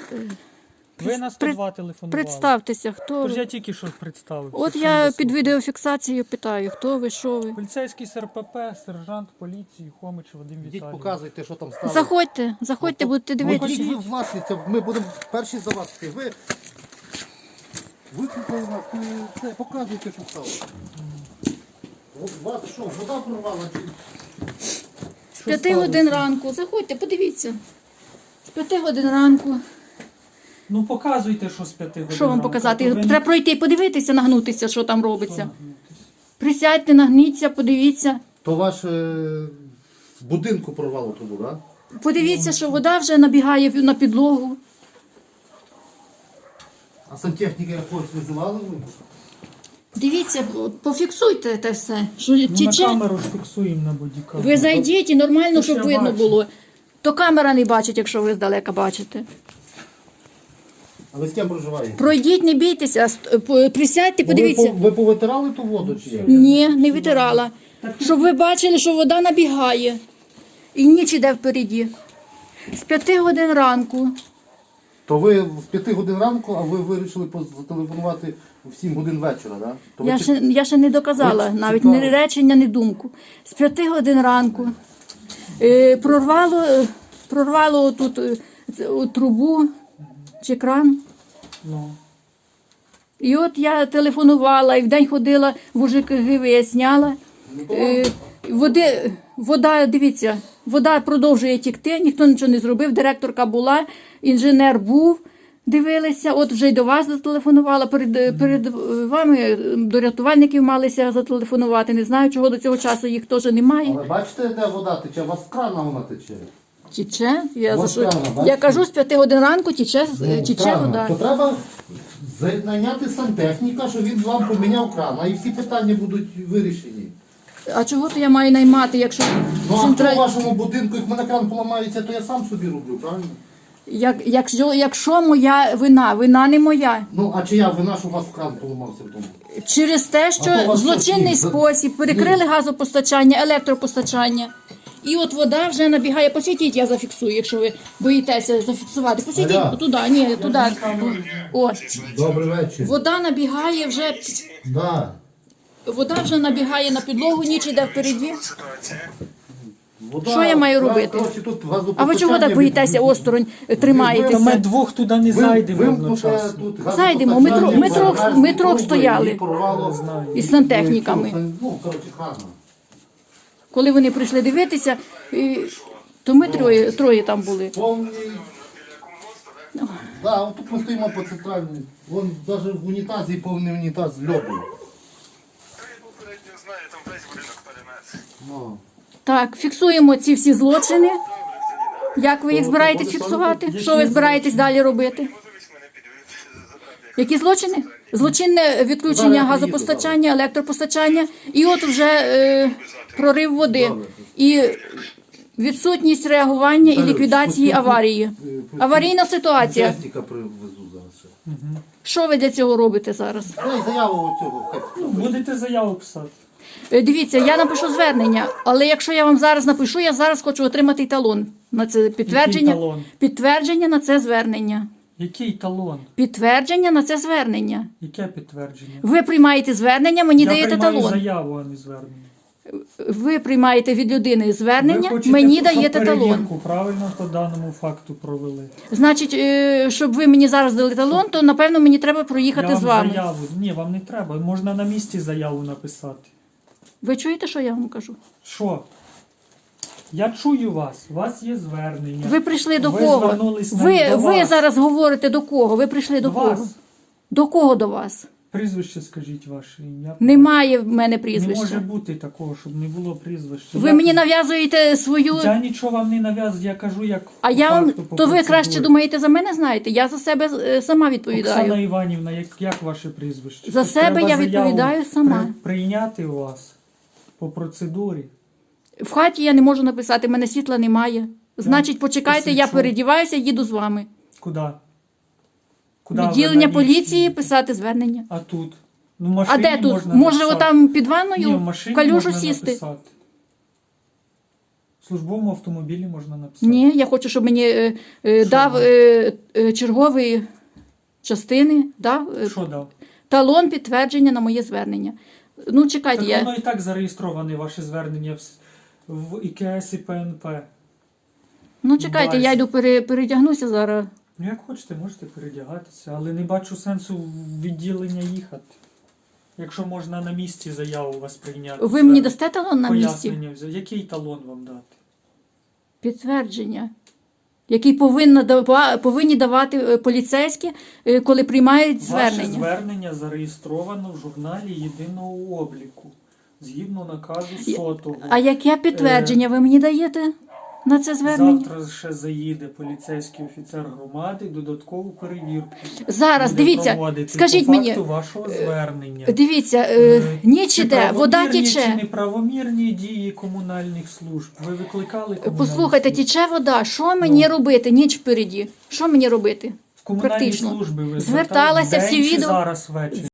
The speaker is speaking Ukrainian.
Ви на 102 телефонували. Представтеся, хто Тож ви. я тільки що представив. От я під відеофіксацією питаю, хто ви, що ви. Поліцейський з РПП, сержант поліції, Хомич Вадим Йдіть, Віталійович. показуйте, що там стало. Заходьте, будете дивитися. Ви власниця, ми будемо перші за вас. Ви викликали нас, це, показуйте, що стало. От вас що, вода прорвала? З 5 годин ранку. Заходьте, подивіться. З 5 годин ранку. Ну показуйте, що з 5 годин. Що вам ранку. показати? То ви Треба пройти і подивитися, нагнутися, що там Що робиться. нагнутись? Присядьте, нагніться, подивіться. То ваш в будинку прорвало трубу, так? Да? Подивіться, що вода вже набігає на підлогу. А сантехніка якогось визивали ви? Дивіться, пофіксуйте те все. Що Ну, на тече. камеру ж фіксуємо на бодікамеру. Ви зайдіть і нормально, То щоб я видно бачу. було. То камера не бачить, якщо ви здалека бачите. А ви з ким проживаєте? Пройдіть, не бійтеся, присядьте, подивіться. Ви повитирали ту воду чи як? Ні, не витирала. Щоб ви бачили, що вода набігає. І ніч іде впереді. З 5 годин ранку. То ви в 5 годин ранку, а ви вирішили зателефонувати в 7 годин вечора, так? Да? Я ще не доказала, Ви навіть цікаво. ні речення, ні думку. З 5 годин ранку прорвало тут трубу чи кран. Ну. І от я телефонувала, і вдень ходила в УЖКГ, виясняла. Вода, дивіться, вода продовжує тікти, ніхто нічого не зробив, директорка була, інженер був, дивилися, от вже й до вас зателефонувала, перед вами до рятувальників малися зателефонувати, не знаю, чого до цього часу їх теж немає. Але бачите, де вода тече? У вас з крана вона тече. Тіче, я Ось прямо, я бачите? кажу, з 5 годин ранку тіче Крана. вода. То треба найняти сантехніка, щоб він вам поміняв кран, і всі питання будуть вирішені. А чого то я маю наймати, якщо Ну а хто в вашому будинку, як в мене кран поламається, то я сам собі роблю, правильно? Якщо моя вина не моя. Ну, а чия вина, що у вас кран поламався в тому? Через те, А що то у вас в злочинний що, спосіб перекрили газопостачання, електропостачання. І от вода вже набігає. Посвітіть, я зафіксую, якщо ви боїтеся зафіксувати. Посвітіть Аля. туди, ні, туди. О, Добрий вечір. вода набігає вже. Да. Вода вже набігає на підлогу, ніч іде впереді. Вода, Що я маю робити? коротше, тут А ви чого газопостачання так боїтеся осторонь Та тримаєтеся? ми двох туди не зайдемо Вимкнуте одночасно. тут Зайдемо, газопостачання, ми трьох труби, стояли. і порвало. Знаю. Із сантехніками. Ну, коротше, хана. Коли вони прийшли дивитися, то ми троє там були. Повний. Да, от тут ми стоїмо по центральній. Вон навіть в унітазі повний унітаз з льоду. Ну. Так, фіксуємо ці всі злочини. Як ви їх збираєтесь фіксувати? Що ви збираєтесь далі робити? Які злочини? Злочинне відключення газопостачання, електропостачання. І от вже прорив води. І відсутність реагування і ліквідації аварії. Аварійна ситуація. Техніка привезу зараз ще. Що ви для цього робите зараз? Дай заяву оцього. Будете заяву писати. Дивіться, я напишу звернення, але якщо я вам зараз напишу, я зараз хочу отримати талон на це підтвердження. Який талон? Підтвердження на це звернення. Який талон? Підтвердження на це звернення. Яке підтвердження? Ви приймаєте звернення, мені Я даєте приймаю талон. заяву, а не звернення. Ви приймаєте від людини Ви звернення, хочете, мені щоб даєте талон. перевірку правильно по даному факту провели. Значить, щоб ви мені зараз дали талон, то напевно мені треба проїхати Я з вам вами. заяву. Ні, вам не треба. Можна на місці заяву написати. Ви чуєте, що я вам кажу? Що? Я чую вас. У вас є звернення. Ви прийшли до Ви кого? звернулись до Ви вас. зараз говорите до кого? Ви прийшли до кого? Вас. До кого до вас? Прізвище скажіть ваше ім'я. Немає в мене Не прізвища. може бути такого, щоб не було прізвища. Ви мені нав'язуєте свою. Я нічого вам не нав'язую, я кажу, як А по я вам. факту, по То ви процедурі. краще думаєте за мене знаєте? Я за себе сама відповідаю. Оксана Іванівна, як ваше прізвище? За Тут себе треба я заяву відповідаю сама. Прийняти у вас по процедурі. В хаті я не можу написати, в мене світла немає. Значить, почекайте, я посвідчу. передіваюся, їду з вами. Куди? Куди ви Відділення на поліції, місці? писати звернення. А тут? Ну, в А машині де тут? можна Може, написати. отам під Ні, ванною в машині в калюжу можна сісти? написати. В службовому автомобілі можна написати. Ні, я хочу, щоб мені дав черговий частини, дав Що дав? талон підтвердження на моє звернення. Ну, чекайте, Так я... воно і так зареєстроване, ваше звернення в ІКС і ПНП. Ну, чекайте, Базі. я йду передягнуся зараз. Ну, як хочете, можете передягатися, але не бачу сенсу в відділення їхати. Якщо можна на місці заяву у вас прийняти. Ви мені дасте талон на місці? Пояснення взяти. Який талон вам дати? Підтвердження, який повинні давати поліцейські, коли приймають Ваше звернення. звернення зареєстровано в журналі єдиного обліку. Згідно наказу 100-го. А яке підтвердження ви мені даєте на це звернення? Завтра ще заїде поліцейський офіцер громади, додаткову перевірку. Зараз, буде дивіться, проводити скажіть по мені, факту вашого звернення. дивіться, ніч Чи іде, вода правомірні, Чи тече. неправомірні дії комунальних служб? Ви викликали комунальні Послухайте, служби? тече вода, що мені робити? Ніч впереді. Що мені робити? В комунальні практично. служби ви Зверталася, звертались всі вдень чи відео. зараз ввечері?